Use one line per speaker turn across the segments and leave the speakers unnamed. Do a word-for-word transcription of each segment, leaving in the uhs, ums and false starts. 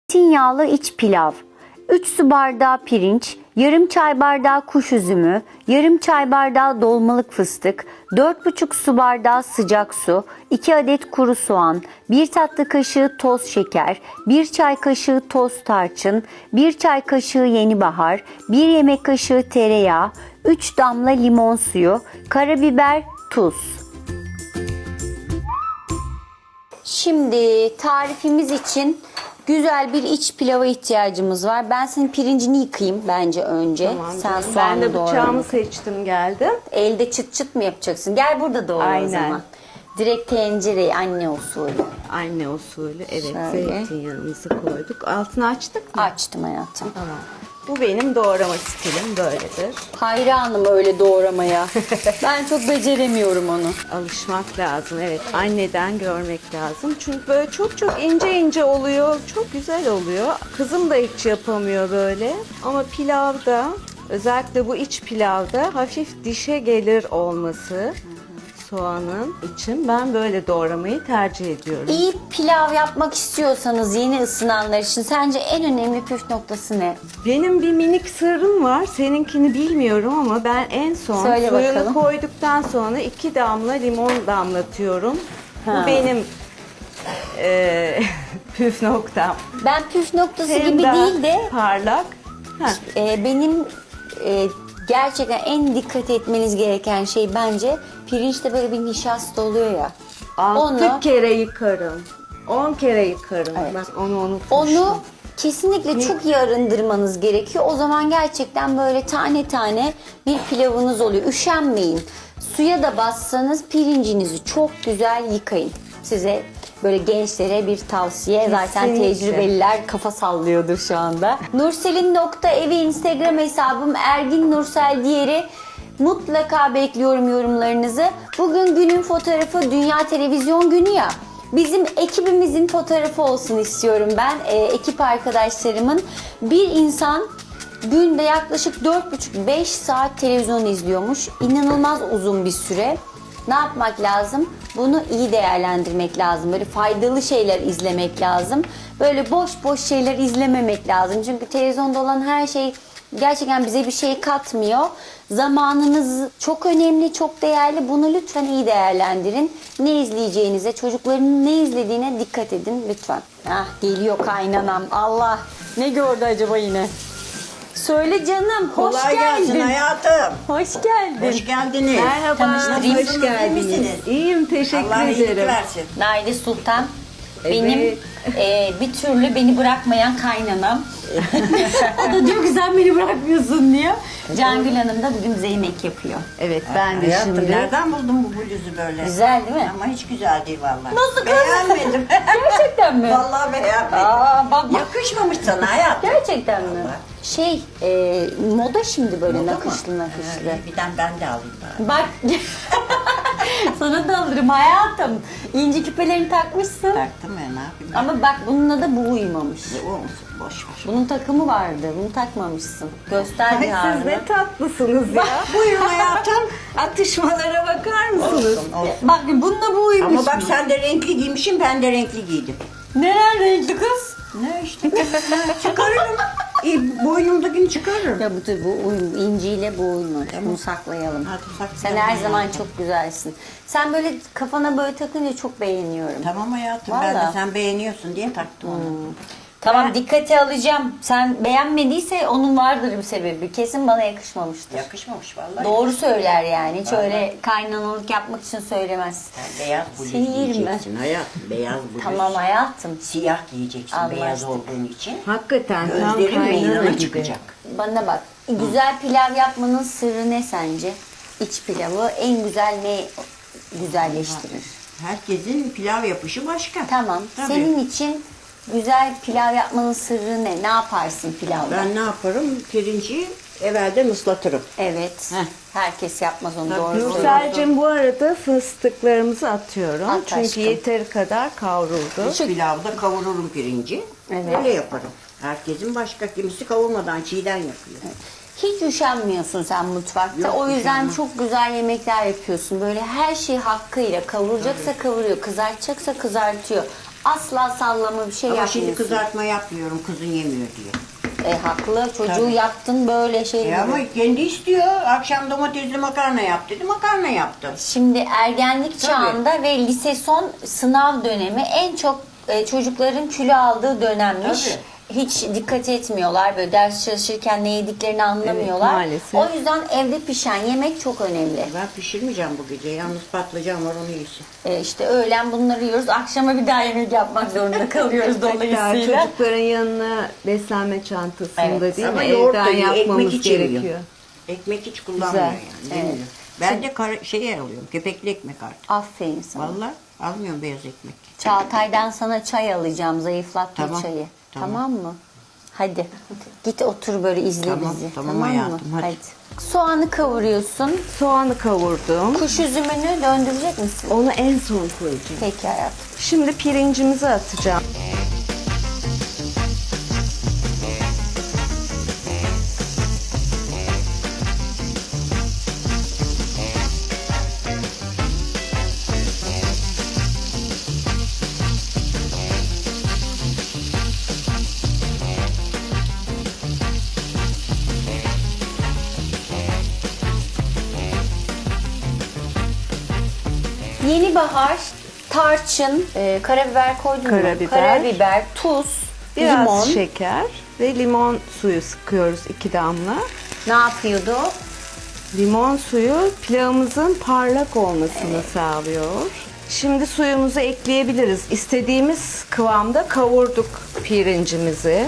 Zeytinyağlı iç pilav, üç su bardağı pirinç, yarım çay bardağı kuş üzümü, yarım çay bardağı dolmalık fıstık, dört buçuk su bardağı sıcak su, iki adet kuru soğan, bir tatlı kaşığı toz şeker, bir çay kaşığı toz tarçın, bir çay kaşığı yeni bahar, bir yemek kaşığı tereyağı, üç damla limon suyu, karabiber, tuz. Şimdi tarifimiz için güzel bir iç pilava ihtiyacımız var. Ben senin pirincini yıkayayım bence önce.
Tamam
Sen
canım.
soğanı
Ben de
doğra.
bıçağımı seçtim geldim.
Elde çıt çıt mı yapacaksın? Gel burada doğra
Aynen.
o zaman. Direkt tencereye anne usulü.
Anne usulü. Evet,
Şöyle.
zeytinyağımızı koyduk. Altını açtık mı?
Açtım hayatım.
Tamam. Bu benim doğrama stilim böyledir.
Hayranım öyle doğramaya. Ben çok beceremiyorum onu.
Alışmak lazım. Evet, anneden görmek lazım. Çünkü böyle çok çok ince ince oluyor. Çok güzel oluyor. Kızım da hiç yapamıyor böyle. Ama pilavda, özellikle bu iç pilavda hafif dişe gelir olması soğanın için ben böyle doğramayı tercih ediyorum.
İyi pilav yapmak istiyorsanız yeni ısınanlar için sence en önemli püf noktası ne?
Benim bir minik sırrım var. Seninkini bilmiyorum ama ben en son
Söyle
suyunu
bakalım.
koyduktan sonra iki damla limon damlatıyorum.
Ha.
Bu benim e, püf noktam.
Ben püf noktası
Hem
gibi
daha
değil de
parlak. Ha.
e, benim e, gerçekten en dikkat etmeniz gereken şey bence pirinçte böyle bir nişasta oluyor ya.
Altı
Onu
kere yıkarım. On kere yıkarım.
Evet.
Bak onu unutmuşum.
Onu kesinlikle çok iyi arındırmanız gerekiyor. O zaman gerçekten böyle tane tane bir pilavınız oluyor. Üşenmeyin. Suya da bassanız pirincinizi çok güzel yıkayın. Size böyle gençlere bir tavsiye. Zaten
Kesinlikle.
tecrübeliler kafa sallıyordur şu anda. Nursel'in nokta evi Instagram hesabım Ergin Nursel Diyer'i. Mutlaka bekliyorum yorumlarınızı. Bugün günün fotoğrafı Dünya Televizyon Günü ya. Bizim ekibimizin fotoğrafı olsun istiyorum ben. Ee, ekip arkadaşlarımın. Bir insan günde yaklaşık dört buçuk beş saat televizyon izliyormuş. İnanılmaz uzun bir süre. Ne yapmak lazım? Bunu iyi değerlendirmek lazım. Böyle faydalı şeyler izlemek lazım. Böyle boş boş şeyler izlememek lazım. Çünkü televizyonda olan her şey gerçekten bize bir şey katmıyor. Zamanınız çok önemli, çok değerli. Bunu lütfen iyi değerlendirin. Ne izleyeceğinize, çocukların ne izlediğine dikkat edin lütfen. Ah geliyor kaynanam. Allah ne gördü acaba yine? Söyle canım, hoş
Kolay
geldin.
gelsin hayatım.
Hoş geldin.
Hoş geldiniz.
Merhaba,
Tanıştırayım.
hoş
Nasılsınız, iyi
geldiniz.
misiniz?
İyiyim, teşekkür
Allah iyilik
ederim.
versin.
Naide Sultan.
Evet.
Benim e, bir türlü beni bırakmayan kaynanam. O da diyor ki sen beni bırakmıyorsun diyor. Cangül Hanım da bugün bize yemek yapıyor.
Evet, ben de
Hayatım,
şimdi...
nereden buldun bu bluzu böyle?
Güzel değil mi?
Ama hiç güzel değil vallahi.
Nasıl kız?
Beğenmedim.
Gerçekten mi?
Vallahi beğenmedim.
Aa bak bak.
Yakışmamış sana hayatım.
Gerçekten mi?
Vallahi.
Şey, e, moda şimdi böyle
Moda mı?
nakışlı nakışlı.
Ha, iyi, bir tane ben de alayım bari.
Bak, sana da alırım hayatım. İnci küpelerini takmışsın.
Taktım ya, ne yapayım?
Ama bak bununla da bu uyumamış.
Ne olmuş, boş ver.
Bunun takımı vardı, bunu takmamışsın. Göster bir
Ay, siz
halini.
ne tatlısınız ya.
Buyurun hayatım.
Atışmalara bakar mısınız?
Olsun, olsun.
Bak bununla bu uyumuş.
Ama bak sen de renkli giymişsin, ben de renkli giydim.
Neler renkli kız?
Ne işte? Çıkarırım. İyi, boynumdakini çıkarırım.
Ya bu tabii bu uyum, inciyle bu uyumlu. Bunu saklayalım.
Hadi saklayalım
Sen her zaman
hayatım.
çok güzelsin. Sen böyle kafana böyle takınca çok beğeniyorum.
Tamam hayatım, ben de
Vallahi.
sen beğeniyorsun diye taktım onu.
Tamam dikkate alacağım. Sen beğenmediyse onun vardır bir sebebi. Kesin bana yakışmamıştır.
Yakışmamış vallahi.
Doğru söyler yani. Hiç
Vallahi.
öyle kaynanalık yapmak için söylemez.
Sen beyaz bluz
Sihir mi?
giyeceksin hayatım, beyaz bluz.
Tamam hayatım.
Siyah giyeceksin beyaz
Anlaştık.
olduğun için.
Hakikaten tam
Gözlerin
kaynana
meydana
gibi.
çıkacak.
Bana bak. Güzel pilav yapmanın sırrı ne sence? İç pilavı en güzel ne güzelleştirir?
Herkesin pilav yapışı başka.
Tamam.
Tabii.
Senin için güzel pilav yapmanın sırrı ne? Ne yaparsın pilavda?
Ben ne yaparım? Pirinci evvelden ıslatırım.
Evet.
Heh.
Herkes yapmaz onu
Tabii.
doğru söylüyorsun.
Nursel'cim bu arada fıstıklarımızı atıyorum.
At
Çünkü
aşkım.
yeteri kadar kavruldu.
İç pilavda kavururum pirinci.
Evet.
Öyle yaparım. Herkesin başka, kimisi kavurmadan çiğden yapıyor.
Hiç üşenmiyorsun sen mutfakta.
Yok,
o yüzden
üşenmem.
çok güzel yemekler yapıyorsun. Böyle her şey hakkıyla. Kavuracaksa kavuruyor, kızartacaksa kızartıyor. Asla sallama bir şey
Ama
yapmıyorsun.
şimdi kızartma yapmıyorum kızın yemiyor diye.
E haklı. Çocuğu
Tabii.
yaptın böyle şey.
E ama kendi istiyor. Akşam domatesli makarna yap dedi. Makarna yaptım.
Şimdi ergenlik
Tabii.
çağında ve lise son sınav dönemi en çok e, çocukların kilo aldığı dönemmiş.
Tabii.
Hiç dikkat etmiyorlar. Böyle ders çalışırken ne yediklerini anlamıyorlar.
maalesef.
O yüzden evde pişen yemek çok önemli.
Ben pişirmeyeceğim bu gece. Yalnız patlıcan var onu yesin.
E, işte öğlen bunları yiyoruz. Akşama bir daha yemek yapmak zorunda kalıyoruz
Hatta
dolayısıyla.
çocukların yanına beslenme çantasında
Evet.
değil
Ama
mi?
yoğurt
Evden
da yiyor,
yapmamız
ekmek hiç yemiyor.
gerekiyor.
Ekmek hiç kullanmıyor
Güzel.
yani. Demiyor. Ben de kara, şey alıyorum. Kepekli ekmek artık.
Aferin sana.
Vallahi almıyorum beyaz ekmek.
Çağatay'dan sana çay alacağım. Zayıflatma
Tamam,
çayı. Tamam.
tamam.
mı? Hadi. Git otur böyle izle
Tamam,
bizi.
tamam
mı?
hayatım, hadi.
Soğanı kavuruyorsun.
Soğanı kavurdum.
Kuş üzümünü döndürecek misin?
Onu en son koyacağım.
Peki hayatım.
Şimdi pirincimizi atacağım.
Yeni bahar, tarçın, e, karabiber koydun mu?
Karabiber.
Karabiber, tuz,
Biraz
limon.
şeker ve limon suyu sıkıyoruz iki damla.
Ne yapıyordu?
Limon suyu pilavımızın parlak olmasını sağlıyor. Şimdi suyumuzu ekleyebiliriz. İstediğimiz kıvamda kavurduk pirincimizi.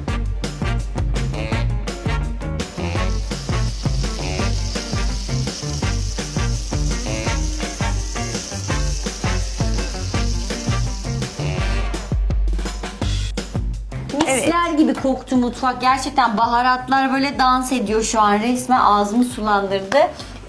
Misler gibi koktu mutfak. Gerçekten baharatlar böyle dans ediyor şu an. Resmen ağzımı sulandırdı.